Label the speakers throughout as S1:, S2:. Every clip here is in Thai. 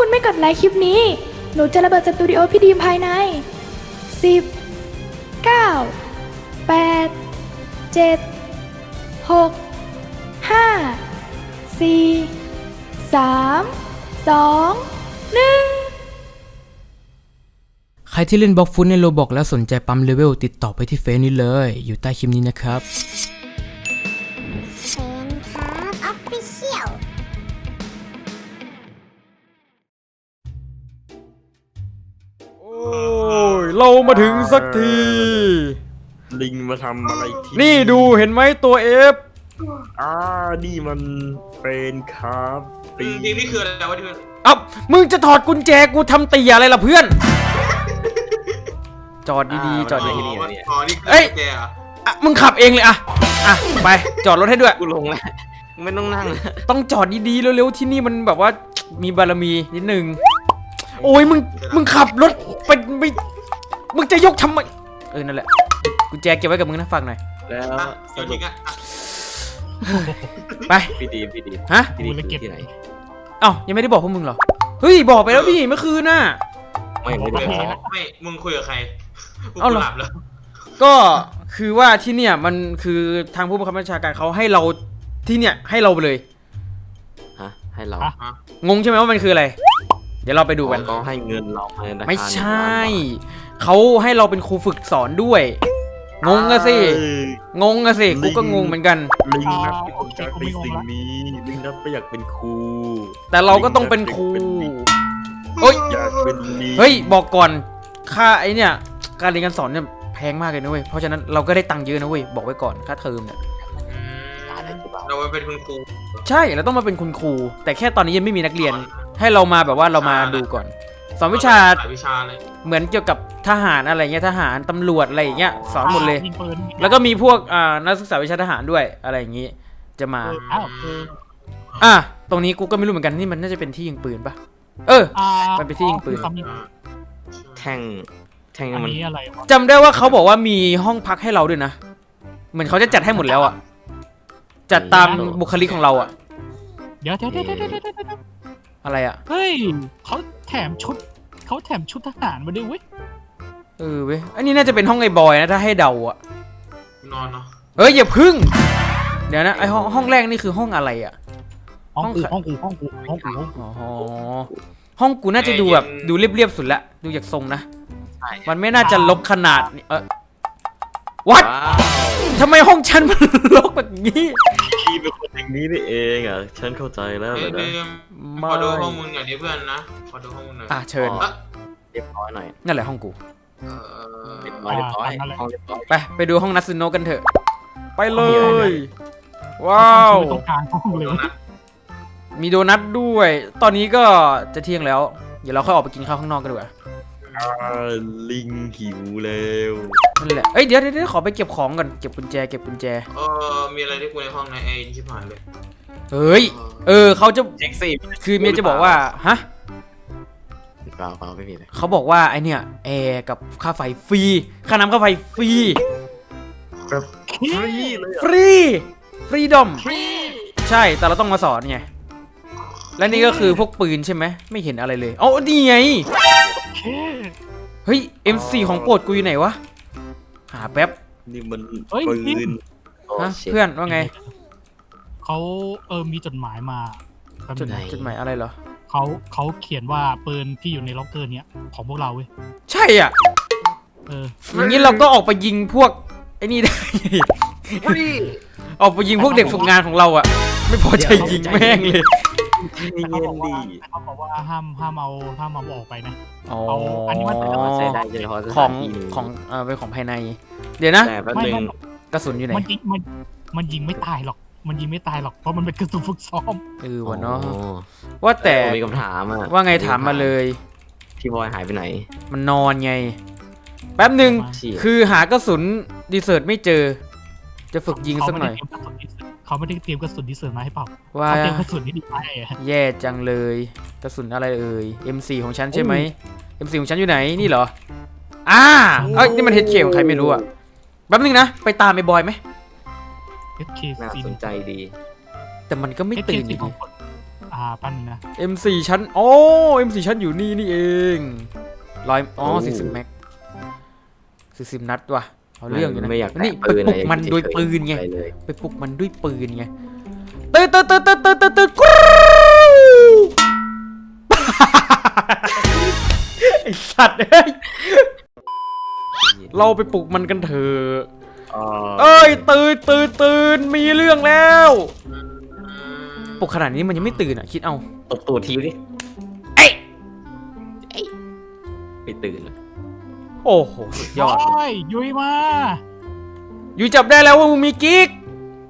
S1: คุณไม่กดไลค์คลิปนี้ หนูจะระเบิดสตูดิโอพี่ดีมภายใน10 9 8 7 6 5 4 3 2 1
S2: ใครที่เล่นบล็อกฟุตในโรบอกแล้วสนใจปั๊มเลเวลติดต่อไปที่เฟซนี้เลยอยู่ใต้คลิปนี้นะครับ
S3: เซนครับออฟฟิเชียล
S2: โอ้ยเรามาถึงสักที
S4: ลิงมาทำอะไรที่
S2: นี่ดูเห็นไหมตัว F
S4: นี่มันเป็นครับปี
S5: ทีมนี่คืออะไรวะที่มัน
S2: เอ้ามึงจะถอดกุญแจกูทำตีอะไรล่ะเพื่อน จอดดีๆจอดดี
S5: อ๋อนี่คือ
S2: เอ้ย
S5: แกเหรอ
S2: ๆอ่ะมึงขับเองเลยอ่ะไปจอดรถให้ด้วย
S4: กูลงแล้วไม่ต้องนั่งแล้ว
S2: ต้องจอดดีๆเร็วๆที่นี่มันแบบว่ามีบารมีนิดนึงโอ้ยมึงขับรถไปไม่มึงจะยกทำไมนั่นแหละกุญแจเก็บไว้กับมึงนะฝากหน่อย
S4: แล้ว
S5: อ่ะ
S4: ส
S5: เดี๋ยว
S4: รุ
S5: จริ
S4: ป
S5: งอ่ะ
S2: ไป
S4: พี่ดี
S2: ฮะ
S4: พี่ดีคือที่ไหน
S2: เอ้ายังไม่ได้บอกพวกมึงเหรอเฮ้ยบอกไปแล้วพี่เมื่อคืนน่ะ
S4: ไม่ได้บอก
S5: ไม่มึงคุยกับใครกู
S2: เอาเหรอ
S5: หลับแล้ว
S2: ก็คือว่าที่เนี่ยมันคือทางผู้บังคับบัญชาการเขาให้เราที่เนี่ยให้เราไปเลย
S4: ฮะให้เรา
S2: งงใช่ไหมว่ามันคืออะไร เดี๋ยวเราไปดูกัน
S4: ก็ให้เงินเรามาในราคา
S2: ไม่ใช่
S4: 1,000,000 บาท
S2: เขาให้เราเป็นครูฝึกสอนด้วยงงอะสิงงอะสิกูก็งงเหมือนกัน
S4: ลิงนับไม่อยากเป็นสิ่งนี้ลิงนับไม่อยากเป็นครู
S2: แต่เราก็ต้องเป็นครูเฮ้ย
S4: อยากเป็นลิง
S2: เฮ้ยบอกก่อนค่าไอเนี่ยการเรียนการสอนเนี่ยแพงมากเลยนะเว้ยเพราะฉะนั้นเราก็ได้ตังค์เยอะนะเว้ยบอกไว้ก่อนค่าเทอมเนี่ย
S5: เราไปเป็นคุณครู
S2: ใช่เราต้องมาเป็นคุณครูแต่แค่ตอนนี้ยังไม่มีนักเรียนให้เรามาแบบว่าเรามาดูก่อนสอนวิชา
S5: หลายวิชาเลย
S2: เหมือนเกี่ยวกับทหารอะไรเงี้ยทหารตำรวจอะไรอย่างเงี้ยสอนหมดเลย
S6: ยิงปืน
S2: แล้วก็มีพวกนักศึกษาวิชาทหารด้วยอะไรอย่างงี้จะมา
S6: อ้าว
S2: ตรงนี้กูก็ไม่รู้เหมือนกันนี่มันน่าจะเป็นที่ยิงปืนปะมันเป็นที่ยิงปืน
S4: แท่ง
S6: อัน
S4: มัน
S6: นี้อะไรวะ
S2: จำได้ว่าเขาบอกว่ามีห้องพักให้เราด้วยนะเหมือนเขาจะจัดให้หมดแล้วอ่ะจัดตามบุคลิกของเราอ่ะ
S6: เดี๋ยว
S2: อะไรอ่ะ
S6: เฮ้ยเขาแถมชุดทหารมาด้วยเว้ย
S2: เว้ยอันนี้น่าจะเป็นห้องไอ้บอยนะถ้าให้เดาอ่ะ
S5: นอนเนาะ
S2: อย่าพึ่งเดี๋ยวนะไอห้องแรกนี่คือห้องอะไรอ่ะ
S6: ห้องกู
S2: ห้องกูน่าจะดูแบบดูเรียบๆสุดละดูจากทรงนะมันไม่น่าจะลกขนาดนี้วัด
S4: ว้าว
S2: ทำไมห้องฉันมันลกแบบนี้
S4: พี่เป็นคนอย่างนี้นี่เองอ่ะฉันเข้าใจแล้ว
S5: เฮ้
S4: เลย ยนะ
S5: ขอดูข้อมูลหน่อยดิเพื่อนนะขอดูข้อมูลหน่อย
S2: เชิญ
S4: เรียบร้อยหน่อย
S2: นั่นแหละห้องกู
S4: เรียบร้อยห้องเรียบร้อย
S2: ไปดูห้องนัตสึโนะกันเถอะไปเลยว้าว
S6: ตรงกลางห้องเลย
S2: มีโดนัทด้วย ตอนนี้ก็จะเที่ยงแล้วเดี๋ยวเราค่อยออกไปกินข้าวข้างนอกกันดีกว่า
S4: ลิงหิวแล้ว
S2: นั่นแหละเดี๋ยวขอไปเก็บของก่อนเก็บกุญแจ
S5: มีอะไรที่กูในห้องในไอ้ชิบหายเลย
S2: เฮ้ยเขาจะ
S4: แท็กซี่
S2: คือเมียจะบอกว่าฮะ
S4: เปล่าไม่มีเลย
S2: เขาบอกว่าไอเนี่ยแอร์กับค่าไฟฟรีค่าน้ำค่าไฟฟรี
S4: แบบฟรีเลย
S2: ฟรีดอมใช่แต่เราต้องมาสอนไงและนี่ก็คือพวกปืนใช่ไหมไม่เห็นอะไรเลยอ๋อนี่ไงเฮ้ย M4 ของโปรดกูอยู่ไหนวะหาแป๊บ
S4: นี่มันปืน
S2: ฮะเพื่อนว่าไง
S6: เขามีจดหมายมา
S2: จดหมายอะไรเหรอ
S6: เขาเขียนว่าปืนที่อยู่ในล็อกเกอร์เนี้ยของพวกเราเว้ย
S2: ใช่อ่ะ อย่างนี้เราก็ออกไปยิงพวกไอ้นี่ได้ ออกไปยิงพวกเด็กฝึกงานของเราอ่ะ ไม่พอใจยิงแม่งเลย
S4: นี่
S6: แต่
S4: เย็
S6: เขาบอก
S4: น
S6: ว่า
S4: ดี
S6: ห้ามเอาออกไปนะ
S2: อ๋อ
S6: อันนี้มันเป็น
S4: ใช้ได้เฉพาะส
S2: ขอ
S4: ถาง นที่
S2: ของเป็นของภายใน เดี๋ยวนะ
S4: แต่แป๊บนึง
S2: กระสุนอยู่ไหน
S6: มันยิงไม่ตายหรอกเพราะมันเป็นกระสุนฝึกซ้อม
S2: วะเนาะว่าแต่
S4: มีคำถามอ่ะ
S2: ว่าไงถามมาเลย
S4: พี่บอยหายไปไหน
S2: มันนอนไง แป๊บหนึ่ง
S4: เชี่ย
S2: คือหากระสุนดีเซิร์ตไม่เจอ จะฝึกยิงสักหน่อย
S6: เขาไม่ได้เตรียมกระสุนที่เสริมมาให้เปล่า
S2: ว่า
S6: เขาเตรียมกระสุนที่ดีไปอะ
S2: แย่จังเลย กระสุนอะไรเอ่ย M4 ของฉันใช่ไหม M4 ของฉันอยู่ไหนนี่เหรอนี่มันเฮดเคของใครไม่รู้อ่ะแป๊บนึงนะไปตามไอ้บอยไหม
S6: HK
S4: น่าสนใจดี
S2: แต่มันก็ไม่
S6: HK
S2: ตื่นอยู่
S6: ข
S2: ดี
S6: องคนปั้นงนะ
S2: M4 ชั้นM4 ชั้นอยู่นี่เอง40 แม็ก40 นัดว่ะเอาเรื่องอยู่นะ
S7: ไม่อยาก
S2: นี่
S7: แตะ
S2: ไป
S7: ปืน
S2: ปลุกมันด้วยปืนไง
S7: ปเลย
S2: ไปปลุกมันด้วยปืนไงตื่นกรูไอสัตว์เอ้ยเราไปปลุกมันกันเถอะเอ้ยตื่นมีเรื่องแล้วปลุกขนาดนี้มันยังไม่ตื่นอ่ะคิดเอา
S7: ตบตูดทีดิ
S2: เอ้ย
S7: ไม่ตื่นเลย
S2: โอ้โหสุดยอด
S6: โอ้ยยุ้ยมา
S2: อยู่จับได้แล้วว่ามึงมีกิ๊ก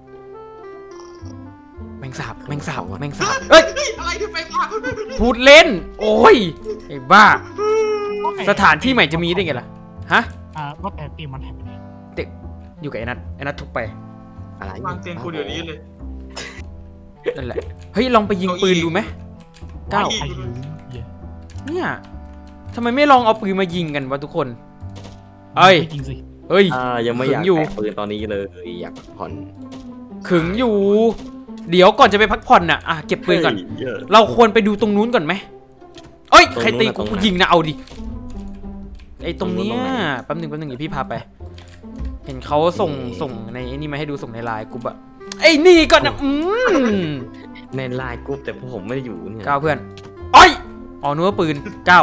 S2: แมงสาบเอ้ย
S5: อะไรที่ไปบ้า
S2: พูดเล่นโอ้ยไอ้บ้าสถานที่ใหม่จะมีได้ไงล่ะฮะ
S6: ว่าแต่เตียงมันหายไปไหน
S2: เด็กอยู่กับไอ้นัททุบไป
S7: อะไร
S5: วางเตียงกูเดี๋ยวนี้เลย
S2: นั่นแหละเฮ้ยลองไปยิงปืนดูไหมก้าว
S6: ใครยิงเหี้ย
S2: เนี่ยทำไมไม่ลองเอาปืนมายิงกันวะทุกคนเอ้ย
S6: จริงสิ
S2: เฮ้ย
S7: ยังไม่อยาก
S2: ขึงอยู่
S7: แตะปืนตอนนี้เลยอยากพักผ่อน
S2: ขึงอยู่ เดี๋ยวก่อนจะไปพักผ่อนน่ะเก็บปืนก่อน
S7: เฮ้ยเยอะ
S2: เราควรไปดูตรงนู้นก่อนไหมเอ้ย
S7: ตรงนู้น
S2: ใครตี
S7: ตร
S2: กู
S7: งไหน
S2: ยิงนะเอาดิไอ้ตรงเนี้ย
S7: ตรงนู้นตรงไหน
S2: แป๊บหนึงเดี๋ยวพี่พาไป เห็นเขาส่งในไอ้นี่มาให้ดูส่งในไลน์กูอะไอ้นี่ก่อนนะ
S7: ในไลน์กรุ๊ปแต่ผมไม่ได้อยู่เนี่ย
S2: ก้าวเพื่อนเอ้ยอ๋อนึกว่าปืนก้าว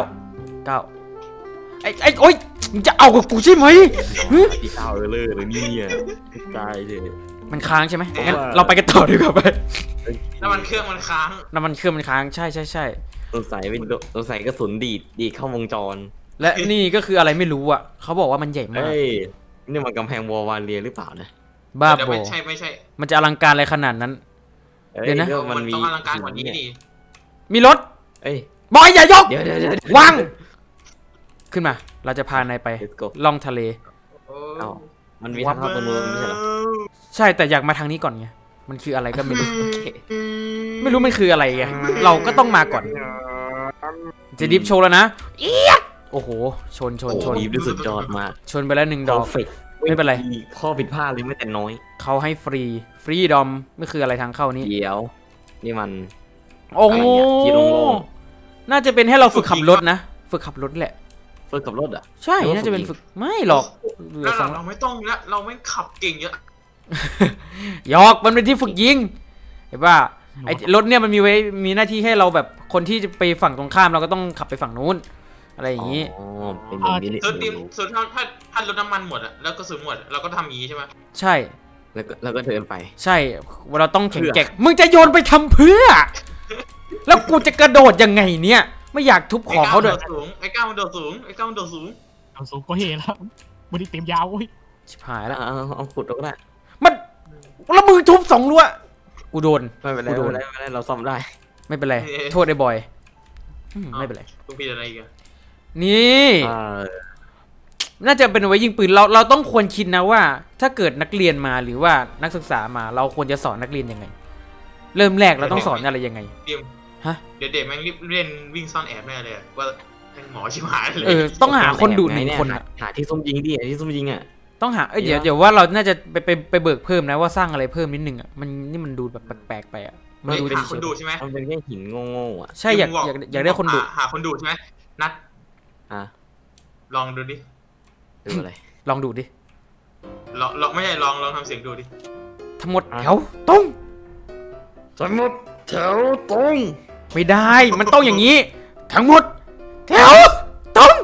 S2: ไอ้โอ๊ยมึงจะเอากับกูใช่ไหมหึ
S7: พี่ก้าวเลยเนี่ยตายเลย
S2: มันค้างใช่ไหมงั้นเราไปกันต่อดีกว่าไป
S5: น้ำมันเครื่องมันค้าง
S2: น้ำมันเครื่องมันค้างใช่
S7: สงสัยกระสุนดีดเข้าวงจร
S2: และนี่ก็คืออะไรไม่รู้อ่ะเขาบอกว่ามันใหญ่มาก
S7: เฮ้ยนี่มันกำแพงวอลวาเลียหรือเปล่านะ
S2: บ้า
S5: เดี๋ยว
S2: บอ
S5: ไม่ใช่
S2: มันจะอลังการอะไรขนาดนั้น
S7: อ้
S2: เดี๋ยวนะ
S7: ก็
S5: มันต้องอลังการกว่านี้ดิ
S2: มีรถ
S7: เอ้ย
S2: บอยอย่ายก
S7: เดี๋ยว
S2: วางขึ้นมา เราจะพานายไป
S7: Let's go
S2: ล่องทะเล
S7: เอ้ามันมีทางเข้าตรงนู้นไม่ใช่เหรอ
S2: ใช่แต่อยากมาทางนี้ก่อนไงมันคืออะไรก็ไม่รู้ ไม่รู้มันคืออะไรไงเราก็ต้องมาก่อน จะดิฟโชว์แล้วนะเอี๊ยดโอ้โหชน
S7: โอ้โหดีสุดยอดมาก
S2: ชนไปแล้ว1 ดอก
S7: Perfect
S2: ไม่เป็นไร
S7: ข้อผิดพลาดเลยไม่แต่น้อย
S2: เขาให้ฟรีดอมไม่คืออะไรทางเข้านี้
S7: เดี๋ยวนี่มัน
S2: โอ้
S7: อะไรเนี่ยที่โล่ง
S2: น่าจะเป็นให้เราฝึกขับรถนะฝึกขับรถแหละ
S7: เฟิร์สกับรถอ่ะ
S2: ใช่
S7: หรือว่า
S2: น่าจะเป็น
S7: ฝึ
S2: ฝึ
S7: ก
S2: ก
S7: ยิง
S2: ไม่หรอกเหลื
S5: แล้
S2: อ
S5: ว
S2: สอง
S5: เราไม่ต้องแล้วเราไม่ขับเก่งเยอะ
S2: หยอกมันเป็นที่ฝึกยิงเห็นป่ะไอ้รถเนี่ยมันมีหน้าที่ให้เราแบบคนที่จะไปฝั่งตรงข้ามเราก็ต้องขับไปฝั่งนู้นอะไรอย่างนี้
S7: อ๋อเป็นอย่างนี้นี่
S5: ส่วนถ้ารถน้ำมันหมดอะแล้วก็สูญหมดเราก็ทำอย่างนี้ใช่ไหม
S2: ใช่
S7: แล้วก็เดินไป
S2: ใช่เราต้องแข็งแกร่งมึงจะโยนไปทำเพื่อ แล้วกูจะกระโดดยังไงเนี่ยไม่อยากทุบของเขาด้วย
S5: ไอ้ก้าวมันโดดสูง
S6: เอาสูงก็เฮแล้วบริเต็มยาวเว้ย
S2: ชิบหายแล้ว
S7: เอาขุดเอาก็ได้
S2: มันแล้วมือทุบ2 รั้วกูโดน
S7: ไม่เป็นไร
S2: กูโดน
S7: ไม่เป็นไรเราซ่อมได้
S2: ไม่เป็นไรโทษไอ้บอยไม่เป็นไร
S5: กูผิดอะไรอีกอะ
S2: นี่
S7: อ่า
S2: น่าจะเป็นเอาไว้ยิงปืนเราต้องควรคิดนะว่า ถ้าเกิดนักเรียนมาหรือว่านักศึกษามาเราควรจะสอนนักเรียนยังไง เริ่มแรกเราต้องสอนอะไรยังไง
S5: เดี๋ยว
S2: ฮะ
S5: เดี๋ยวเด็กแม่งรีบเล่นวิ่งซ่อนแอบแน่เลยอะว่าแม่งหมอชิบหายเลย
S2: ต้องหาคนดู
S7: ไง
S2: 1 คนอะ
S7: หาที่ซุ่มยิงดิหาที่ซุ่มยิงอ่ะ
S2: ต้องหาเดี๋ยวว่าเราน่าจะไปเบิกเพิ่มนะว่าสร้างอะไรเพิ่มนิดนึงอ่ะมันดูแบบแปลกๆไปอ่ะมันดู
S5: หาคนดูใช่ไหม
S7: มันเป็นแค่หินโง่ๆอ่ะ
S2: ใช่อยากได้คนดู
S5: หาคนดูใช่ไหมนัด
S7: อ่ะ
S5: ลองดูดิ
S7: ดูอะไร
S2: ลองดูดิ
S5: ลองไม่ใช่ลองทำเสียงดูดิ
S2: ทั้งหมดแถวตรง
S7: ทั้งหมดแถวตรง
S2: ไม่ได้มันต้องอย่างนี้ ทั้งหมดแถวตรง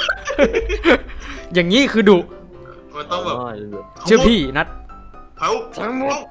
S2: อย่างนี้คือดุ
S5: มันต้องแบบ
S2: เชื่อพี่นัด
S5: แถว
S7: ทั้งหมด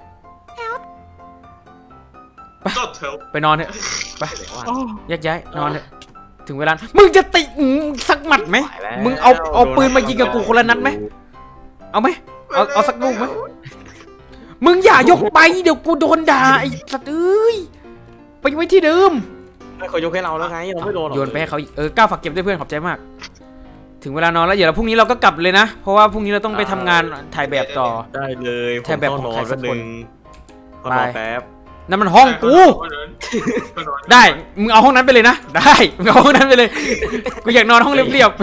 S5: ก็แถว
S2: ไปนอนเถอะไป
S6: โอ้
S2: แยกย้ายนอนเถอะถึงเวลามึงจะติสักหมัดไหมมึงเอาปืนมายิงกับกูคนละนัดไหมเอาไหมเอาสักลูกไหมมึงอย่ายกไปเดี๋ยวกูโดนด่าไอ้สัตว์เอ้ยไปไว้ที่เดิม
S7: ไม่เขายกให้เราแล้วไงเราไม่โดนหรอก
S2: โยนไปให้เขาอีกก้าวฝากเก็บด้วยเพื่อนขอบใจมาก ถึงเวลานอนแล้วเดี๋ยวเราพรุ่งนี้เราก็กลับเลยนะ เพราะว่าพรุ่งนี้เราต้องไปทำงานถ่ายแบบต่อ
S7: ได้เลย
S2: แทบแบบของใครสักคน
S7: ขอนอนแป๊บ
S2: นั่นมันห้องกู ได้มึงเอาห้องนั้นไปเลยนะได้มึงเอาห้องนั้นไปเลยกูอยากนอนห้องเรียบ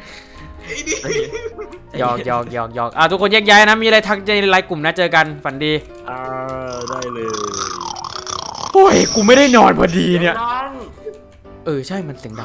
S2: ๆหยอกทุกคนแยกย้ายนะมีอะไรทักในไลน์กลุ่มนะเจอกันฝันดี
S7: ได้เลย
S2: โอ้ยกูไม่ได้นอนพอดีเนี่ยใช่มันเสียงดัง